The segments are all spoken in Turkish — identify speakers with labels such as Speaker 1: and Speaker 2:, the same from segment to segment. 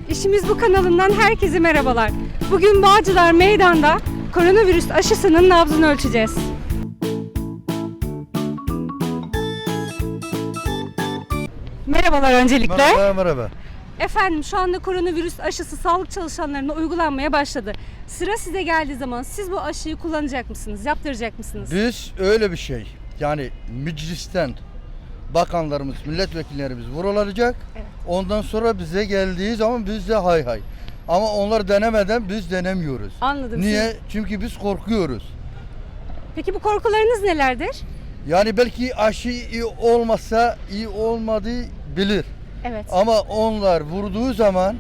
Speaker 1: İşimiz Bu kanalından herkese merhabalar. Bugün Bağcılar Meydan'da koronavirüs aşısının nabzını ölçeceğiz. Merhabalar öncelikle.
Speaker 2: Merhaba.
Speaker 1: Efendim şu anda koronavirüs aşısı sağlık çalışanlarına uygulanmaya başladı. Sıra size geldiği zaman siz bu aşıyı kullanacak mısınız? Yaptıracak mısınız?
Speaker 2: Biz öyle bir şey. Yani meclisten bakanlarımız, milletvekillerimiz vurulacak.
Speaker 1: Evet.
Speaker 2: Ondan sonra bize geldiği zaman biz de hay hay. Ama onlar denemeden biz denemiyoruz.
Speaker 1: Anladım.
Speaker 2: Niye? Çünkü biz korkuyoruz.
Speaker 1: Peki bu korkularınız nelerdir?
Speaker 2: Yani belki aşı iyi olmasa iyi olmadığı bilir.
Speaker 1: Evet.
Speaker 2: Ama onlar vurduğu zaman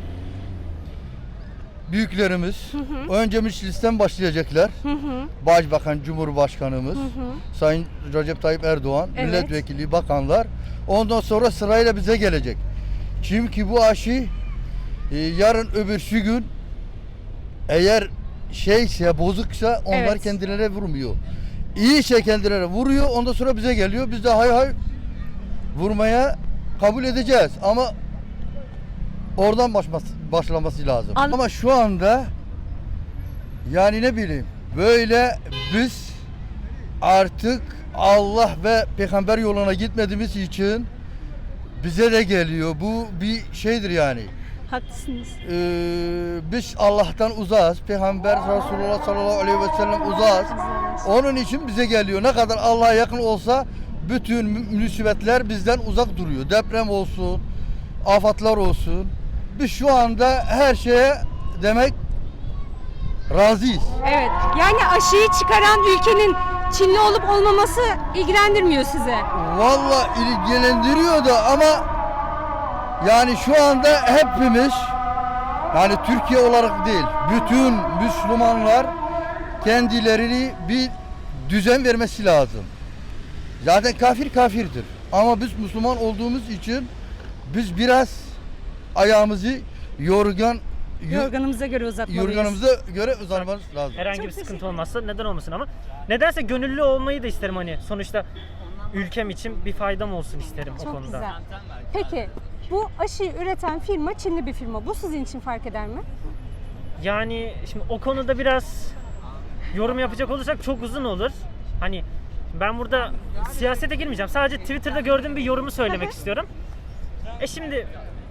Speaker 2: büyüklerimiz önce meclisten başlayacaklar. Başbakan, Cumhurbaşkanımız, Sayın Recep Tayyip Erdoğan,
Speaker 1: Evet.
Speaker 2: milletvekili, bakanlar. Ondan sonra sırayla bize gelecek. Çünkü bu aşı yarın öbürsü gün eğer şeyse, bozuksa onlar
Speaker 1: Evet.
Speaker 2: kendilerine vurmuyor. İyiyse kendilerine vuruyor, ondan sonra bize geliyor. Biz de hay hay vurmaya kabul edeceğiz. Ama oradan başlaması lazım. Ama şu anda yani ne bileyim böyle biz artık Allah ve peygamber yoluna gitmediğimiz için bize de geliyor. Bu bir şeydir yani.
Speaker 1: Haklısınız.
Speaker 2: Biz Allah'tan uzağız. Peygamber Resulullah sallallahu aleyhi ve sellem uzağız. Onun için bize geliyor. Ne kadar Allah'a yakın olsa bütün musibetler bizden uzak duruyor. Deprem olsun, afatlar olsun. Biz şu anda her şeye demek razıyız.
Speaker 1: Evet. Yani aşıyı çıkaran ülkenin Çinli olup olmaması ilgilendirmiyor size.
Speaker 2: Vallahi ilgilendiriyor da ama yani şu anda hepimiz yani Türkiye olarak değil bütün Müslümanlar kendilerini bir düzen vermesi lazım. Zaten kafir kafirdir. Ama biz Müslüman olduğumuz için biz biraz ayağımızı
Speaker 1: Yorganımıza göre uzatmalıyız.
Speaker 2: yorganımıza göre uzanmamız lazım.
Speaker 3: Herhangi
Speaker 1: Çok
Speaker 3: bir sıkıntı
Speaker 1: teşekkür
Speaker 3: olmazsa neden olmasın ama nedense gönüllü olmayı da isterim hani sonuçta ülkem için bir faydam olsun isterim o
Speaker 1: Çok
Speaker 3: konuda.
Speaker 1: güzel. Peki bu aşıyı üreten firma Çinli bir firma. Bu sizin için fark eder mi?
Speaker 3: Yani şimdi o konuda biraz yorum yapacak olursak çok uzun olur. Hani ben burada siyasete girmeyeceğim. Sadece Twitter'da gördüğüm bir yorumu söylemek istiyorum. Şimdi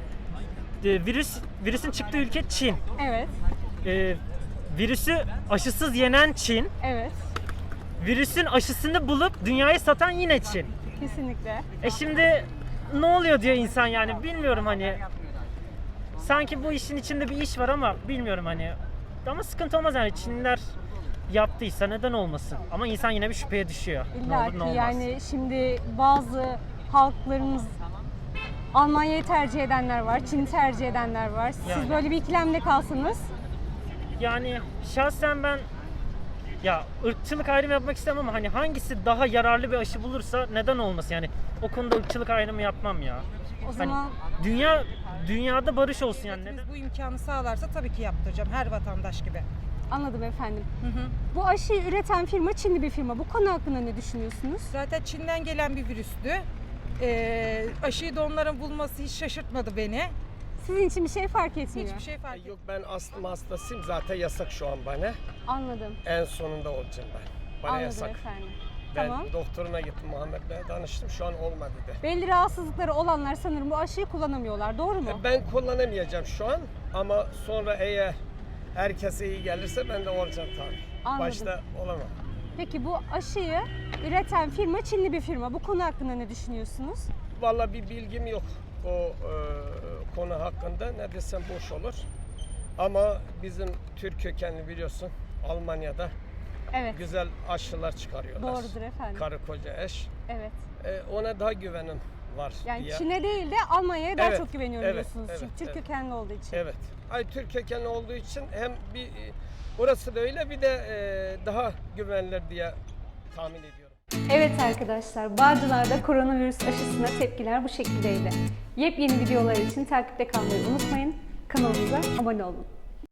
Speaker 3: virüsün çıktığı ülke Çin.
Speaker 1: Evet.
Speaker 3: Virüsü aşısız yenen Çin.
Speaker 1: Evet.
Speaker 3: Virüsün aşısını bulup dünyaya satan yine Çin.
Speaker 1: Kesinlikle.
Speaker 3: Şimdi ne oluyor diyor insan yani bilmiyorum hani. Sanki bu işin içinde bir iş var ama bilmiyorum hani. Ama sıkıntı olmaz yani Çinliler yaptıysa neden olmasın? Ama insan yine bir şüpheye düşüyor. Ne
Speaker 1: İlla
Speaker 3: olur
Speaker 1: ki
Speaker 3: ne olmaz.
Speaker 1: yani şimdi bazı halklarımız Almanya'yı tercih edenler var, Çin'i tercih edenler var. Siz
Speaker 3: Yani.
Speaker 1: böyle bir ikilemde kalsanız
Speaker 3: Yani şahsen ben ya ırkçılık ayrımı yapmak istemem ama hani hangisi daha yararlı bir aşı bulursa neden olmasın yani o konuda ırkçılık ayrımı yapmam ya.
Speaker 1: o zaman
Speaker 3: Dünyada barış olsun yani neden?
Speaker 4: Bu imkanı sağlarsa tabii ki yaptıracağım her vatandaş gibi.
Speaker 1: anladım efendim. Bu aşıyı üreten firma Çinli bir firma. Bu konu hakkında ne düşünüyorsunuz?
Speaker 4: Zaten Çin'den gelen bir virüstü. Aşıyı da onların bulması hiç şaşırtmadı beni.
Speaker 1: Sizin için bir şey fark etmiyor.
Speaker 4: Hiçbir şey fark etmedi.
Speaker 5: Yok ben astım hastasıyım zaten yasak şu an bana.
Speaker 1: Anladım.
Speaker 5: En sonunda olacağım ben. Bana
Speaker 1: Anladım
Speaker 5: yasak.
Speaker 1: efendim.
Speaker 5: Ben
Speaker 1: Tamam.
Speaker 5: doktoruna gittim Muhammed Bey'e danıştım şu an olmadı dedi.
Speaker 1: Belli rahatsızlıkları olanlar sanırım bu aşıyı kullanamıyorlar. Doğru mu?
Speaker 5: Ben kullanamayacağım şu an ama sonra eğer herkese iyi gelirse ben de olacağım tabii.
Speaker 1: Anladım.
Speaker 5: Başta olamam.
Speaker 1: Peki bu aşıyı üreten firma Çinli bir firma. Bu konu hakkında ne düşünüyorsunuz?
Speaker 5: Vallahi bir bilgim yok o konu hakkında. Ne desem boş olur. Ama bizim Türk kökenli biliyorsun Almanya'da
Speaker 1: Evet.
Speaker 5: güzel aşılar çıkarıyorlar.
Speaker 1: Doğrudur efendim.
Speaker 5: Karı koca eş.
Speaker 1: Evet.
Speaker 5: Ona daha güvenim var
Speaker 1: Yani
Speaker 5: diye.
Speaker 1: Çin'e değil de Almanya'ya daha
Speaker 5: Evet,
Speaker 1: çok güveniyorum
Speaker 5: evet,
Speaker 1: diyorsunuz.
Speaker 5: evet,
Speaker 1: Çünkü Türk
Speaker 5: evet.
Speaker 1: kökenli olduğu için.
Speaker 5: Evet. Ay Türk kökenli olduğu için hem bir orası da öyle bir de daha güvenilir diye tahmin ediyorum.
Speaker 1: Evet arkadaşlar, Bağcılar'da koronavirüs aşısına tepkiler bu şekildeydi. Yepyeni videolar için takipte kalmayı unutmayın. Kanalımıza abone olun.